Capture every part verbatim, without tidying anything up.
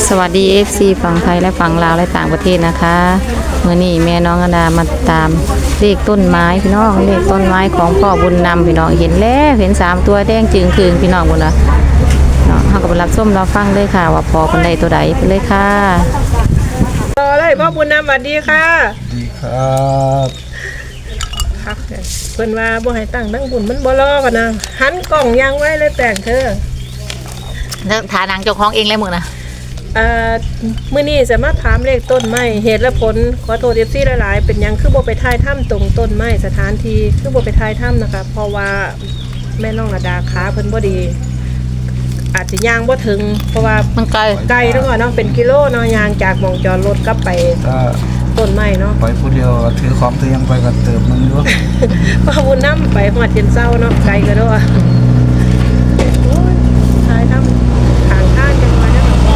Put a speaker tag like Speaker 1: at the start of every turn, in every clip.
Speaker 1: สวัสดี เอฟ ซี ฝั่งไทยและฝั่งลาวและต่างประเทศนะคะเมื่อนี้แม่น้องอดามาตามเลขต้นไม้พี่น้องเลขต้นไม้ของพ่อบุญนำพี่น้องเห็นแล้วเห็นสามตัวแดงจึงคืนพี่น้องบุญนะเนาะเขาก็ไปรับส้มเราฟังเลยค่ะว่าพอคนใดตัวใดไปเลยค่ะ
Speaker 2: ต่อเลยพ่อบุญนำสวัสดีค่ะ
Speaker 3: ดีครับ
Speaker 2: ครับเพิ่นว่าบ่ให้ตั้งตั้งบุญมันบ่รอกันนะหันกล่องยางไว้เลยแต่งเธอ
Speaker 1: แล้วฐานังเจ้าของเองเลยมึงนะ
Speaker 2: เอ่อมื้อนี้จะมาถามเลขต้นไม้เหตุและผลขอโทษ เอฟ ซี หลายๆเป็นหยังคือบ่ไปถ่ายถ้ำตรงต้นไม้สถานที่คือบ่ไปถ่ายถ้ำนะคะเพราะว่าแม่น้องระดาขาเพิ่นบ่ดี อาจจะย่างบ่ถึงเพราะว่า
Speaker 1: มันไกล
Speaker 2: ไกลเนาะเนาะเป็นกิโลเนาะย่างจากหม่องจอดรถกลับไป
Speaker 3: ถ้า
Speaker 2: ต้นไม้เนาะ
Speaker 3: ไปผู้เดียวถือของตัวยังไปกันเติมมึงด้วย
Speaker 2: พ่อบุญนำไปฮอดเย็นเช้าเนาะไกลก็เด้อโอ้ยถ่ายถ้ำทางทางจังว่าได้บ่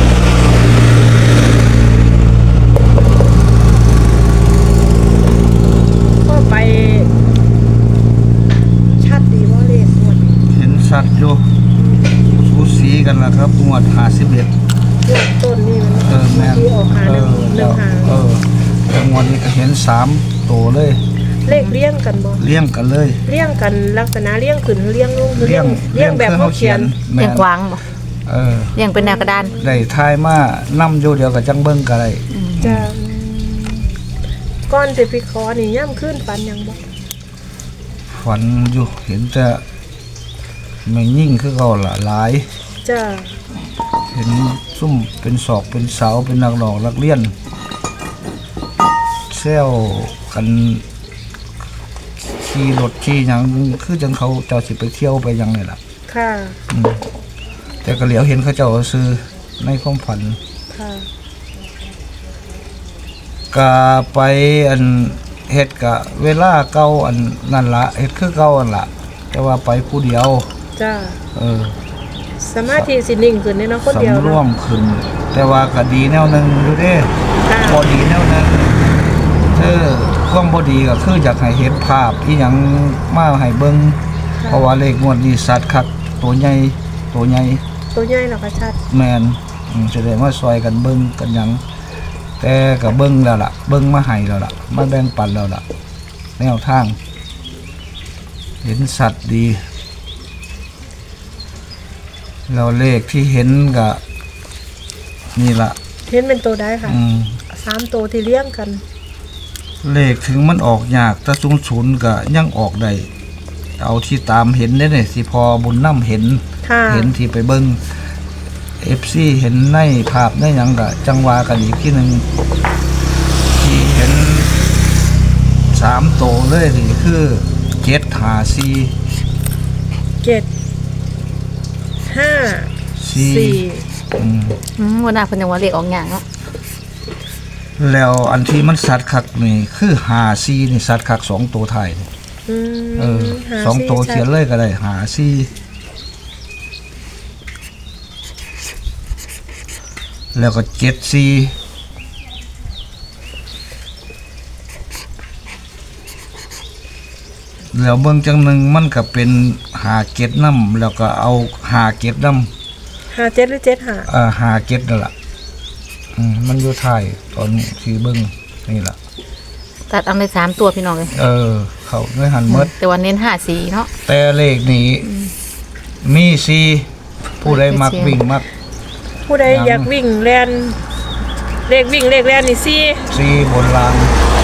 Speaker 2: ก็ไปชัดดีว่าเลขหมด
Speaker 3: เห็นสัตว์อยู่สูสีกันละครับงวดห้าสิบเอ็ด
Speaker 2: เรื่องต้นนี่มัน
Speaker 3: เออแม่น
Speaker 2: ที่ออกหา
Speaker 3: เอ
Speaker 2: หนึ่ง
Speaker 3: อ
Speaker 2: หนึ่งหาง
Speaker 3: เออแต่งวดนี้ก็เห็นสามตัวเลย
Speaker 2: เลขเลี้ยงกันบ่
Speaker 3: เลี้ยงกันเลย
Speaker 2: เลี้ยงกันลักษณะเลี้ยงขึ้นเลี้ยงลงหรือ
Speaker 3: เลี้
Speaker 2: เลี้
Speaker 3: ย
Speaker 2: ย
Speaker 3: ง
Speaker 2: งเลี้ยงแบบเขาเขียน
Speaker 3: แม่
Speaker 1: เรียง
Speaker 3: น
Speaker 1: กวางบ่
Speaker 3: เออ
Speaker 1: เรียงเป็นแนวกระดาน
Speaker 3: ได้ทายมานํอยู่เดียวกับจังเบิ่งก็ได้
Speaker 2: จะก้อนสิพิคอนี่ย่ำขึ้นปันยังบ่
Speaker 3: ฝันอยู่เห็นแต่ไม่ยิ่งคือเก่าละหลาย
Speaker 2: จะ
Speaker 3: เห็นซุ่มเป็นศอกเป็นเสาเป็นนักหลอกนักเลี้ยนเซลกันขี่รถขี่หยังคือจังเขาเจ้าสิไปเที่ยวไปหยังนี่ล่ะ
Speaker 2: ค่ะ
Speaker 3: อืมแต่ก็เหลียวเห็นเขาเจ้าซื้อในความฝัน
Speaker 2: ค่ะ
Speaker 3: ก็ไปอันเฮ็ดกะเวลาเก่าอันนั่นละเฮ็ดคือเก่าอันละแต่ว่าไปผู้เดียว
Speaker 2: จ้า
Speaker 3: เออ
Speaker 2: สมาธิสินิ่งขึ้นเนี่ยเนาะคนเดียว
Speaker 3: สำรว
Speaker 2: เนาะ
Speaker 3: มขึ้น แต่ว่าก็ดีแนวหนึงอยู่เด้
Speaker 2: ค่ะ
Speaker 3: บ่ดีแนวหนึงคือความบ่ดีก็คืออยากให้เห็นภาพที่หยังมาให้เบิ่งเพราะว่าเลขงวดนี้สัตว์คักตัวใหญ่ตัวใหญ่
Speaker 2: ตัวใหญ่เหรอคะชัด
Speaker 3: แม่นอืมแสดงว่าซอยกันเบิ่งกันหยังแต่ก็เบิ่งแล้วล่ะ เบิ่งมาให้แล้วล่ะมาแบ่งปันแล้วล่ะแนวทาง เห็นสัตว์ดีแล้วเลขที่เห็นก็นี่ล่ะ
Speaker 2: เห็นเป็นตัวได้ค่ะ
Speaker 3: อืม
Speaker 2: สามตัวที่เลี้ยงกัน
Speaker 3: เลขถึงมันออกยากแต่ศูนย์ศูนย์ก็ยังออกได้เอาที่ตามเห็นได้เนี่ยสิพอบุญน้ำเห็น
Speaker 2: ค่ะ
Speaker 3: เห็นที่ไปเบิ้งเอฟซีเห็นในภาพในหยังก็จังหวากันอีกที่หนึ่งที่เห็นสามโตวเลยนี่คือเจ็ดหาซี
Speaker 2: เจ็ดห้า
Speaker 3: ซี
Speaker 2: สี่
Speaker 3: อืม
Speaker 1: อืมวันหน้าเพิ่นยังว่าเลขออกอย่างเนาะ
Speaker 3: แล้วอันที่มันสัตว์คักนี่คือหาซีนี่สัตว์คักสองตัวไทายนี่
Speaker 2: อืม
Speaker 3: เออ
Speaker 2: หา
Speaker 3: สองตัว
Speaker 2: ชัด
Speaker 3: เขียนเลยก็ได้หาซีแล้วก็เจ็ดซีแล้วเบื้องจังหนึ่งมันก็เป็นหาเก็ดน้ำแล้วก็เอาหาเก็ดน้
Speaker 2: หาเจ็ดหรือเจ็ดหา
Speaker 3: ำเอ่อหาเก็ดนั่นแหละอืมมันอยู่ท้ายตอนที่เบิ้งนี่แหละ
Speaker 1: ตัดเอาในสามตัวพี่น้องเลย
Speaker 3: เออ เขาไม่หันหมด
Speaker 1: แต่วันเน้นห้าสีเนาะ
Speaker 3: แต่เลขนี้มีซีผู้ใดมักวิ่งมัก
Speaker 2: ผู้ใด
Speaker 3: ยัง
Speaker 2: อยากวิ่งแลนเลขวิ่งเลขแลนนี่สี่
Speaker 3: ซีบนราง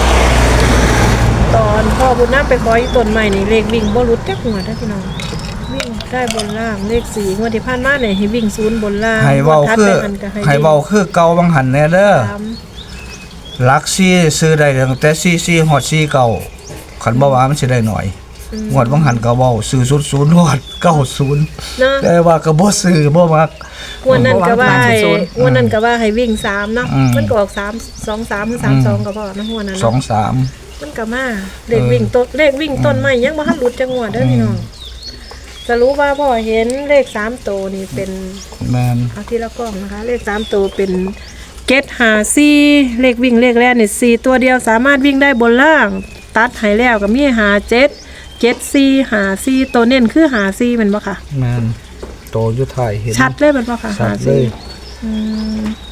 Speaker 2: ตอนพ่อบุญน้ำไปขออยู่ต้นใหม่นี่เลขวิ่งบ่รุดจักหัวได้อพี่น้องวิ่งได้บนล่างเลขสี่งวดที่ผ่านมาเนี่ยให้วิ่งศูนย์บนล่าง
Speaker 3: ให้เว้าง
Speaker 2: วดถัด
Speaker 3: คือ
Speaker 2: ไปมันก็ให้
Speaker 3: ให้เว้าคือเก่าบางหันแน่เด้อ
Speaker 2: สาม
Speaker 3: หลักซีซื้อได้ตั้งแต่ซีซีฮอดซีเก่าคันบ่ว่ามันสิได้หน่อยงวดบางหันก็เว้าซื้อศูนย์ศูนย์ฮอดเก้าศูนย์
Speaker 2: เนาะ
Speaker 3: แต่ว่าก็บ่ซื้อบ่มัก
Speaker 2: งวดนั้นก็ว่าให้งวดนั้นก็ว่าให้วิ่งสามเนาะ
Speaker 3: อืม
Speaker 2: มันก็ออกสามสองสามหรือสามสองก็พอนะงวดนั้น
Speaker 3: สอง
Speaker 2: เนาะ
Speaker 3: สาม
Speaker 2: มันก็มาเลขวิ่งต้นเลขวิ่งต้นใหม่ยังบ่ทันหลุดจังหวดเด้อพี่น้องจะรู้ว่าพ่อเห็นเลขสามตัวนี่เป็น
Speaker 3: แม่น
Speaker 2: เอาทีละกล้องนะคะ เลขสามตัวเป็นเจ็ดหาสี่เลขวิ่งเลขแรกนี่สี่ตัวเดียวสามารถวิ่งได้บนล่าง ตัดให้แล้วก็มีหาเจ็ดเจ็ดสี่หาสี่ตัวเน้นคือหาสี่แมันบ่ค่ะ
Speaker 3: แม่นโตอยู่ท้ายเห็น
Speaker 2: ชัดเลยแมันบ่ค่ะ
Speaker 3: ชั
Speaker 2: หา
Speaker 3: ดเล
Speaker 2: สี่
Speaker 3: ย
Speaker 2: อืม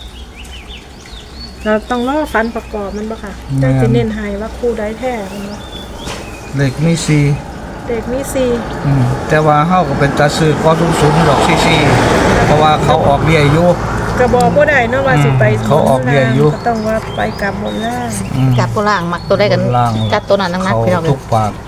Speaker 2: เราต้องรอฟันประกอบมันบ่ค่ะ
Speaker 3: แม่
Speaker 2: จั
Speaker 3: น
Speaker 2: งสิเน้นให้ว่าคู่ใดแท้มันบ่
Speaker 3: เลขมีสี่
Speaker 2: เด็กมีสี่
Speaker 3: อืมแต่ว่าเฮาก็เป็นตาซื้อก็สูงสูงดอกซี่ซี่เพราะว่าเขาออกเบี้ยอยู่
Speaker 2: กระบอกบ่ได้เนาะว่าสิไป
Speaker 3: เขาออกเบี้ยอยู่
Speaker 2: ก็ต้องว่าไปกลับบนล่าง
Speaker 3: อืม
Speaker 1: จับตัวล่างมักตัวได้กัน
Speaker 3: ล่าง
Speaker 1: จัดตัวนั้นนัก
Speaker 3: เขา
Speaker 1: ๆพี่น้องเล
Speaker 3: ทุ
Speaker 1: ย
Speaker 3: กปาก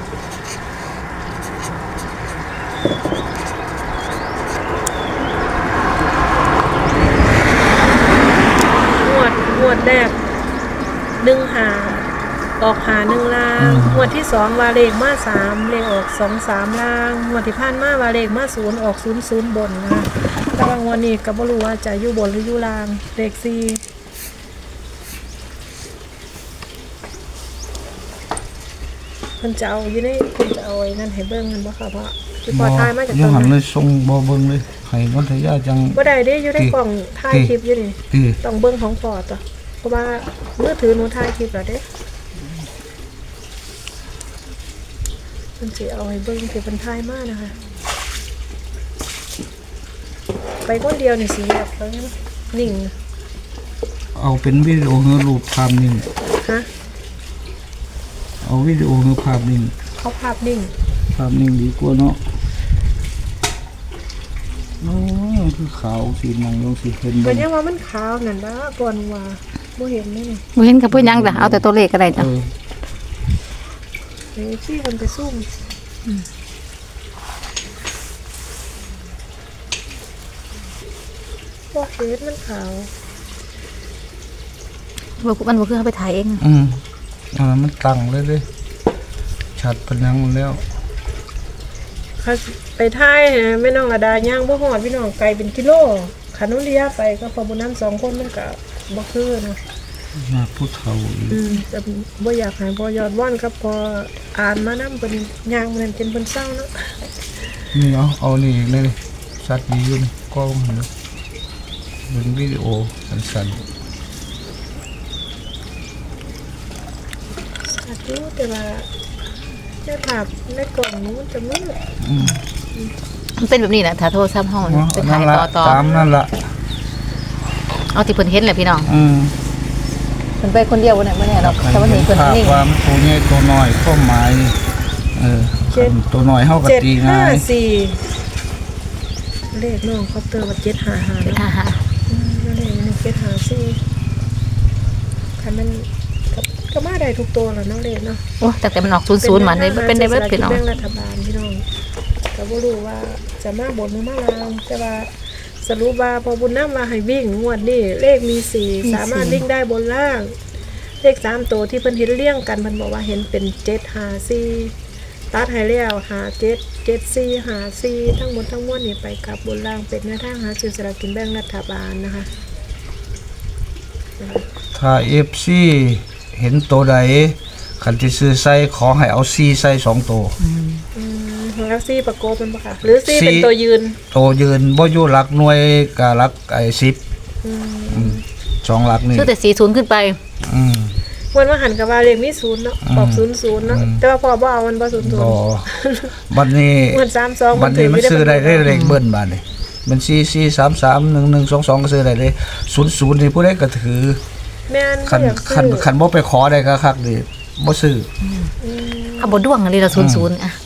Speaker 2: งวดงวดแรกหนึ่งหาออกหาหนึ่งล่างงวดที่สองวาเลขมาสามเลขออกสองสามล่างงวดที่ผ่านมาวาเลขมาศูนย์ออกศูนย์ศูนย์บนนะคะแต่บางวันนี้ก็บ่รู้ว่าจะอยู่บนหรืออยู่ล่างเลขสี่เพิ่นจะเอาอยู่ในเพิ่นจะเอาไอ้นั่นให้เบิ่งกันบ่ค่ะเพราะที่พอทายมาจาก
Speaker 3: ยั
Speaker 2: ต
Speaker 3: ง
Speaker 2: อน
Speaker 3: หัน
Speaker 2: นั้น
Speaker 3: เลยส่งบ่เบิ่งเลยให้นัทยาจัง
Speaker 2: บ่ได้เด้อยู่ในกล่องถ่ายคลิปอยู่นี่
Speaker 3: ที่
Speaker 2: ต้องเบิ่งของพอต่อเพราะว่ามือถือหนูถ่ายคลิปแล้วเด้เพิ่นสิเอาให้เบิ่งที่เพิ่นถ่ายมานะคะ ไปคนเดียวนี่สิแบบแล้วนะนิ่ง
Speaker 3: เอาเป็นวิดีโอหรือรูปภาพนิ่ง
Speaker 2: ฮะ
Speaker 3: เอาวิดีโอหรือภาพนิ่ง
Speaker 2: เขาภาพนิ่ง
Speaker 3: ภาพนิ่งดีกว่าเนาะโอ้ยคือขาวสีมองลงสีเห็น
Speaker 2: ก็
Speaker 3: บ่
Speaker 2: ยังว่ามันขาวนั่นล่ะก่อนว่าบ่เห็นเลยนี่
Speaker 1: บ่เห็นกับเพิ่นยังจ้ะเอาแต่ตัวเลขก็ได้จ้ะ
Speaker 3: เออ
Speaker 2: เดี๋ยวที่มันไปซุ่มบ่เห็นมันขาว
Speaker 1: บ่มันบ่คือเอาไปถ่ายเอง
Speaker 3: อืมอันนั้นมันตั้งเลยเลยชัดพนังแล้ว
Speaker 2: เขาไปถ่ายให้แม่น้องระดาย่างบ่ฮอดพี่น้องไกลเป็นกิโลขันนุริยาไปก็พอบุญนั้นสองคนมันก็บ่คือนะ
Speaker 3: มาผู้เฒ่าอีก
Speaker 2: อืมแต่บ่อยากให้พอยอดว่อนครับพออ่านมานำเป็นย่างมันเป็นเพิ่นเศร้าเนาะ
Speaker 3: นี่เอาเอานี่เลยชัดดีอยู่นี่กล้องเห็นไหมเป็นวิดีโอสั้น
Speaker 2: อาจจะแต่ว่าจะถามในกล่องนู้นจะมืด
Speaker 3: ๆอืม
Speaker 1: มันเป็นแบบนี้แหละถ้าโทรศัพท์เฮา
Speaker 3: เนาะ
Speaker 1: ไป
Speaker 3: นั่
Speaker 1: ถ่าน ย
Speaker 3: ละ
Speaker 1: ต่อต่อ
Speaker 3: ตามนั่นละ
Speaker 1: เอาที่เพิ่นเห็นแหละพี่น้อง
Speaker 3: อืม
Speaker 1: เพิ่นไปคนเดียวบ่ได้บ่แน่หรอกแต่วันนี้เพิ่น
Speaker 3: ภาพ
Speaker 1: นิ่ง
Speaker 3: ความตัวใหญ่ตัวน้อยข้อหมายนี่เออคันตัวน้อยเฮาก็
Speaker 2: เจ็ด
Speaker 3: ตี
Speaker 2: ห้า
Speaker 3: ง่าย
Speaker 2: สี่เลขน้องคอปเตอร์ว่าเจ็ดห้าห้า
Speaker 1: เป็น
Speaker 2: เนาะ
Speaker 1: หา
Speaker 2: อืมแล้วเลขนี่เจ็ดห้าสี่คันมันก็ก็มาได้ทุกตัวแล้วเนาะเลขเนาะ
Speaker 1: โอ้แต่แต่มันออกศูนย์ศูนย์มาเลยเป็นได้เบิดพี่น้อง
Speaker 2: แบ่งรัฐบาลพี่น้องก็บ่รู้ว่าจะมาบนหรือมาลางแต่ว่าสรุปว่าพอบุญน้ำมาให้วิ่งงวดนี้เลขมีสี่สามารถวิ่งได้บนล่าง เลขสามตัวที่เพิ่นเห็นเลี้ยงกันเพิ่นบอกว่าเห็นเป็นเจ็ดห้าสี่ตัดให้แล้วหาเจ็ดเจ็ดสี่หาสี่ทั้งหมดทั้งมวลนี่ไปกลับบนล่างเป็นแนวทางหาซื้อสลากกินแบ่งรัฐบาลนะคะ
Speaker 3: ถ้า เอฟ ซี เห็นตัวใดคันที่ซื้อใส่ขอให้เอาซีใส่สองตัว
Speaker 2: อืมแล้วซี่ประโกบเป็นปะคะหรือซี่เป็นตัวยืน
Speaker 3: ตัวยืนบ่อยู่หลักหน่วยกับหลักไอ้สิบ
Speaker 2: อืม
Speaker 3: อืมสองหลักนี่
Speaker 1: ชื่อแต่สี่ศูนย์ขึ้นไป
Speaker 3: อืม
Speaker 2: วันว่าหันกับว่าเลขมีศูนย์เนาะบอกศูนย์ศูนย์เนาะแต่ว่าพอบ่เอามันบ่ศูนย์ศูน
Speaker 3: บ่
Speaker 2: ย์
Speaker 3: บัดนี้
Speaker 2: เหมือนสามสอง
Speaker 3: บัดนี้มันซื้อได้ได้เลขเบิ้ลบาดนี้มันสี่ สี่ สาม สาม หนึ่ง หนึ่ง สอง สองก็ซื้อได้เลยศูนย์ศูนย์นี่ผู้ใดก็ถือ
Speaker 2: แม่น
Speaker 3: คัน
Speaker 2: อยาก
Speaker 3: คัน
Speaker 2: ซื้อ
Speaker 3: คันบ่ไปขอได้ก็คักดิบ่ซื้อ
Speaker 2: อืม
Speaker 1: เอาบ่ด้วงอะไรละศูนย์ศูนย์อ่ะ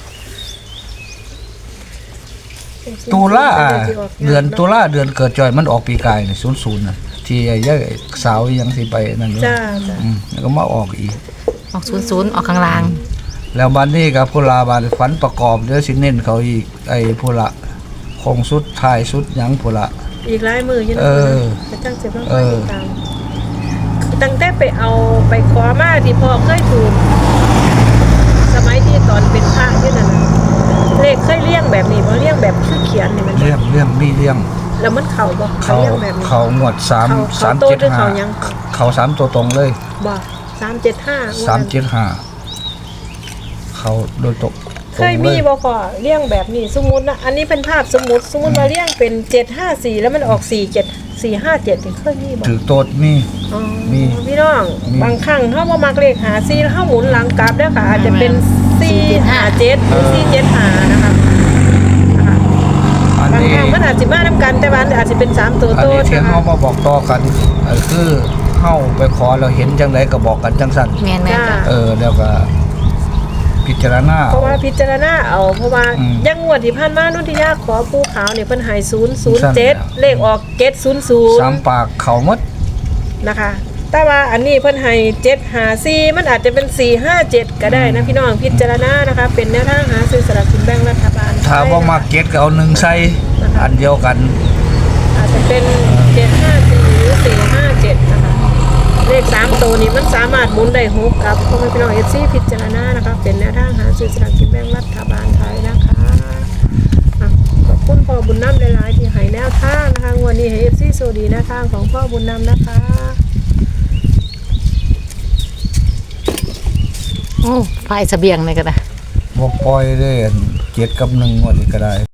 Speaker 3: ตุลาเดือนตุลาเดือนเกิดจอยมันออกปีกายนี่ศูนย์ศูนย์น่ะที่ไอ้ยายสาวยังสิไปนั่นอยู่
Speaker 2: จ้าจ้า
Speaker 3: อืมแล้วก็มาออกอีก
Speaker 1: ออกศูนย์ศูนย์ออกข้างล่าง
Speaker 3: แล้วบัดนี้ก็พุลาบาดฝันประกอบเดี๋ยวสิเน้นเขาอีกไอ้พุละคงสุดท้ายสุดหยังพุละ
Speaker 2: อีกหลายมืออยู่นะ
Speaker 3: เออ
Speaker 2: ไปตั้งเจ็บต้อง
Speaker 3: เอ
Speaker 2: คอย
Speaker 3: อ
Speaker 2: ติดตามตั้งแต่ไปเอาไปขอมาที่พ่อเคยถูกสมัยที่ตอนเป็นพระอยู่นั่นน่ะเลขเคยเลี้ยงแบบนี้บ่เลี้ยงแบบคือเขียนนี่มัน
Speaker 3: เลี้ยงเลี้ยงมีเลี้ยง
Speaker 2: แล้วมันเข่าบ่
Speaker 3: เขา
Speaker 2: เลี้ยงแบบนี้
Speaker 3: เขางวดสาม
Speaker 2: เขา
Speaker 3: สาม
Speaker 2: เขาโต
Speaker 3: เจ็ด
Speaker 2: หรือ
Speaker 3: ห้า
Speaker 2: เขายัง
Speaker 3: เขาสามตัวตรงเลย
Speaker 2: บ่สามเจ็ดห้า
Speaker 3: สามเจ็ดห้าเขาโดยตก
Speaker 2: เคยมีบ่พอเลี้ยงแบบนี้สมมุตินะอันนี้เป็นภาพสมมุติสมมุติว่าเลี้ยงเป็นเจ็ดห้าสี่แล้วมันออกสี่เจ็ดสี่ห้าเจ็ดนี่เคยมีบ่
Speaker 3: ถือโตดมี
Speaker 2: อ๋อ
Speaker 3: มี
Speaker 2: พี่น้อง
Speaker 3: มี
Speaker 2: บางครั้งเขาบ่มักเลขหาสี่แล้วเขาหมุนหลังกลับแล้วค่ะอาจจะเป็นสี่ห้าเจ็ดหรือสี่เจ็ดห้านะคะนะคะ
Speaker 3: อัน
Speaker 2: บาง
Speaker 3: นี้
Speaker 2: ครั้งมันอาจจะมานํกันแต่ว่าอาจจะเป็นสามตัว
Speaker 3: อัน
Speaker 2: โต
Speaker 3: นี้
Speaker 2: ด
Speaker 3: ที่
Speaker 2: นะ
Speaker 3: เขา
Speaker 2: คะ
Speaker 3: มาบอกต่อกันเออคือเฮาไปขอเราเห็นจังไดก็บอกกันจังสั่น
Speaker 1: แม่นแม่นจ้ะ
Speaker 3: เออแล้วก็พิจารณา
Speaker 2: เพราะว่าพิจารณาเอาเพราะว่า
Speaker 3: อืม
Speaker 2: ยังงวดที่ผ่านมานุ่นที่ยากขอปูขาวเนี่ยเพิ่นให้ศูนย์ศูนย์
Speaker 3: สั่น
Speaker 2: เจ็ด
Speaker 3: แล้ว
Speaker 2: เลขออกเจ็ดศูนย์ศูนย์
Speaker 3: สามปากเขาหมด
Speaker 2: นะคะ แต่ว่าอันนี้เพิ่นให้เจ็ดห้าสี่มันอาจจะเป็นสี่ห้าเจ็ดก็ได้นะพี่น้องพิจารณานะคะ เป็นแนวทางหาซื้อสลากกินแบ่งรัฐบาล
Speaker 3: ถ้าบ่มาเก็ตก็เอาหนึ่งใส่อันเดียวกัน
Speaker 2: อาจจะเป็นเจ็ดห้าสี่หรือสี่ห้าเจ็ดนะคะเลขสามตัวนี้มันสามารถหมุนได้หกครับพ่อแม่พี่น้องเอฟซีพิจารณานะคะเป็นแนวทางหาซื้อสลากกินแบ่งรัฐบาลไทยนะคะอ่ะขอบคุณพ่อบุญนำหลายๆที่ให้แนวทางนะคะงวดนี้ให้เอฟซีโซดีแนวทางของพ่อบุญนำนะคะ
Speaker 1: โอ้ไฟเสบียงเลยก็ได้
Speaker 3: บ่ปล่อยเลยอันเจ็ดกับหนึ่งวันนี้ก็ได้